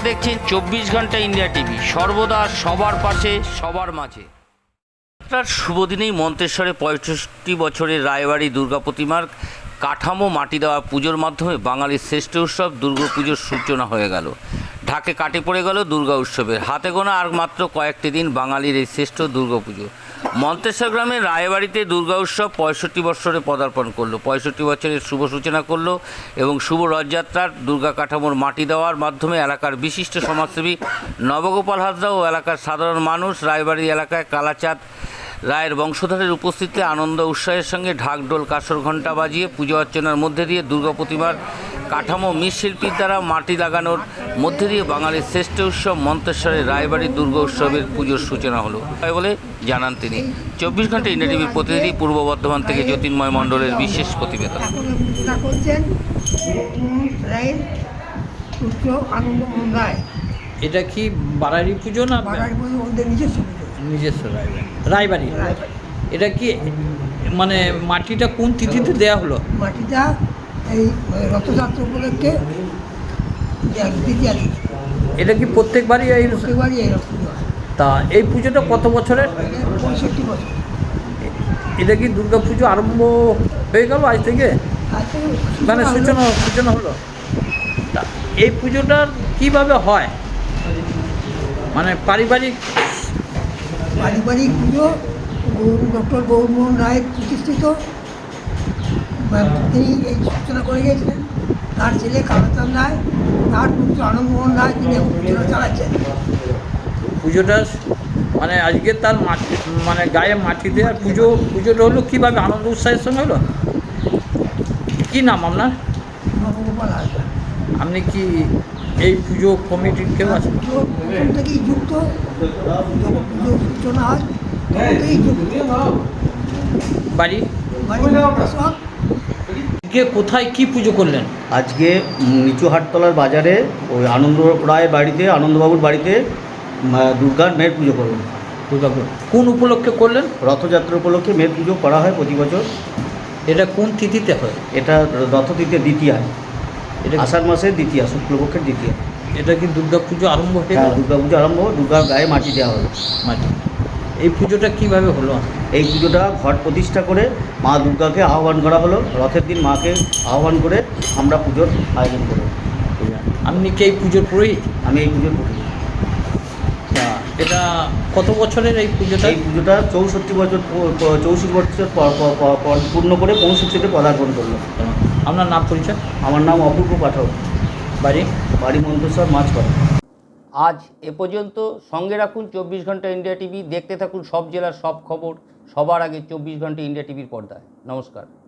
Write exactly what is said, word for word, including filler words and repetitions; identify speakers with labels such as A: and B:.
A: দেখছেন চব্বিশ ঘন্টা ইন্ডিয়া টিভি, সর্বদা সবার পাশে সবার মাঝে। তার শুভ দিনেই মন্তেশ্বরে পঁয়ষট্টি বছরের রায়বাড়ি দুর্গা প্রতিমার কাঠামো মাটি দেওয়া পুজোর মাধ্যমে বাঙালির শ্রেষ্ঠ উৎসব দুর্গাপুজোর সূচনা হয়ে গেল। ঢাকে কাটে পড়ে গেল দুর্গা উৎসবের। হাতে গোনা আর মাত্র কয়েকটি দিন বাঙালির এই শ্রেষ্ঠ দুর্গাপুজো। মন্তেশ্বর গ্রামের রায়বাড়িতে দুর্গা উৎসব পঁয়ষট্টি বছরে পদার্পণ করলো। পঁয়ষট্টি বছরের শুভ সূচনা করলো এবং শুভ রথযাত্রার দুর্গা কাঠামোর মাটি দেওয়ার মাধ্যমে এলাকার বিশিষ্ট সমাজসেবী নবগোপাল হাজরা ও এলাকার সাধারণ মানুষ রায়বাড়ি এলাকায় কালাচাঁদ রায়ের বংশধরের উপস্থিতিতে আনন্দ উৎসাহের সঙ্গে ঢাকঢোল কাসর ঘণ্টা বাজিয়ে পুজো অর্চনার মধ্যে দিয়ে দুর্গা প্রতিমার কাঠামো মৃৎশিল্পীর দ্বারা মাটি লাগানোর মধ্যে দিয়ে বাঙালির শ্রেষ্ঠ উৎসব মন্তেশ্বরের রায়বাড়ি দুর্গা উৎসবের পুজোর সূচনা হলো বলে জানান তিনি। চব্বিশ ঘন্টা ইন্ডিয়া টিভির প্রতিনিধি পূর্ব বর্ধমান থেকে জ্যোতির্ময় মণ্ডলের বিশেষ প্রতিবেদন।
B: এটা কি বাড়ারি পুজো না নিজস্ব রায়বাড়ি রায়বাড়ি এটা কি মানে মাটিটা কোন তিথিতে দেয়া হলো?
C: মাটিটা এই রথযাত্রা উপলক্ষে
B: এটা কি প্রত্যেকবারই এই
C: প্রত্যেকবারই এই রথ
B: তা এই পুজোটা কত বছরের?
C: পঁয়ষট্টি বছর।
B: এটা কি দুর্গা পুজো আরম্ভ হয়ে গেল আজ থেকে, মানে সূচনা সূচনা হলো? তা এই পুজোটার কীভাবে হয়, মানে পারিবারিক
C: পারিবারিক পুজো ডক্টর গৌরমোহন রায় প্রতিষ্ঠিত, তিনি এই সূচনা করে গিয়েছিলেন। তার ছেলে কালাচাঁদ রায়, তার পুত্র আনন্দমোহন রায়, তিনি এখন পুজোটা চালাচ্ছেন।
B: পুজোটা মানে আজকে তার মাটি মানে গায়ে মাটি দেওয়ার পুজো পুজোটা হলো কীভাবে আনন্দ উৎসাহের সঙ্গে হলো? কী নাম আপনার?
C: নবগোপাল হাজরা।
B: আপনি কি এই পুজো কমিটির কেউ আছেন?
C: পুজো প্রথম থেকেই যুক্ত, পুজো সূচনা হয় তখন থেকেই যুক্ত।
B: বাড়ি
C: বাড়ি সব
B: কে কোথায় কি পুজো করলেন?
D: আজকে নিচু হাটতলার বাজারে ওই আনন্দ রায় বাড়িতে, আনন্দবাবুর বাড়িতে দুর্গার মেয়ের পুজো করলেন।
B: দুর্গাপুর কোন উপলক্ষে করলেন?
D: রথযাত্রা উপলক্ষে মেয়ের পুজো করা হয় প্রতি বছর।
B: এটা কোন তিথিতে হয়?
D: এটা রথতিথির দ্বিতীয়া,
B: এটা
D: আষাঢ় মাসের দ্বিতীয়া, শুক্লপক্ষের দ্বিতীয়া।
B: এটা কি দুর্গা পুজো আরম্ভ হয়ে
D: হ্যাঁ,
B: গেল?
D: দুর্গা পুজো আরম্ভ, দুর্গার গায়ে মাটি দেওয়া হলো।
B: মাটি এই পুজোটা কিভাবে হলো?
D: এই পুজোটা ঘট প্রতিষ্ঠা করে মা দুর্গাকে আহ্বান করা হলো। রথের দিন মাকে আহ্বান করে আমরা পুজোর আয়োজন করি।
B: আপনি কি এই পুজোর পুরোহিত?
D: আমি এই পুজোর পুজো।
B: তা এটা কত বছরের এই পুজোটা?
D: এই পুজোটা চৌষট্টি বছর চৌষট্টি বছর পূর্ণ করে পঁয়ষট্টিতে পদার্পণ করলো।
B: আপনার নাম পরিচয়?
D: আমার নাম অপূর্ব পাঠক,
B: বাড়ি
D: বাড়ি মন্তেশ্বর মাছপাড়া।
A: আজ এ পর্যন্ত। সঙ্গে রাখুন চব্বিশ ঘন্টা ইন্ডিয়া টিভি। দেখতে থাকুন সব জেলার সব খবর সবার আগে চব্বিশ ঘন্টা ইন্ডিয়া টিভির পর্দায়। নমস্কার।